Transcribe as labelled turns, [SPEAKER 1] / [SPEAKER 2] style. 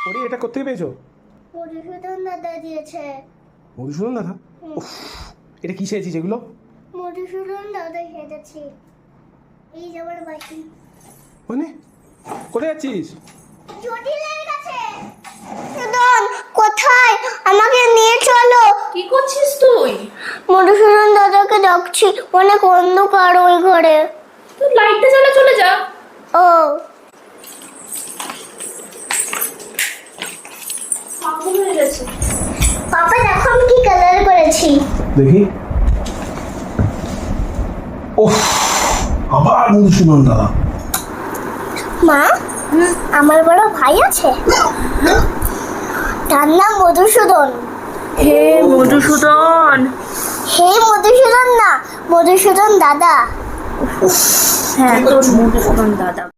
[SPEAKER 1] ওরে এটা কোথেকে পেয়েছো?
[SPEAKER 2] মধুসূদন দাদা দিয়েছে।
[SPEAKER 1] মধুসূদন দাদা? উফ, এটা কি চেয়েছিস এগুলো?
[SPEAKER 2] মধুসূদন দাদা খেতেছি। এই যে আমার বাকি।
[SPEAKER 1] মানে কোথায় যাচ্ছিস?
[SPEAKER 2] জটিলের কাছে। মধুসূদন কোথায়? আমাকে নিয়ে চলো।
[SPEAKER 3] কি করছিস তুই?
[SPEAKER 2] মধুসূদন দাদাকে ডাকছি, অনেক অন্ধকার ওই ঘরে।
[SPEAKER 3] তুই লাইটটা জ্বালা, চলে যা।
[SPEAKER 2] ও
[SPEAKER 3] পাগল হয়ে গেছে।
[SPEAKER 2] পাপা দেখো আমি কি কালার করেছি।
[SPEAKER 1] দেখি। ওহ, আবার মধুসূদন দাদা।
[SPEAKER 2] মা, আমার বড় ভাই আছে, তার নাম মধুসূদন।
[SPEAKER 3] হে মধুসূদন।
[SPEAKER 2] হে মধুসূদন না, মধুসূদন দাদা।
[SPEAKER 3] হ্যাঁ, তোর মধুসূদন দাদা।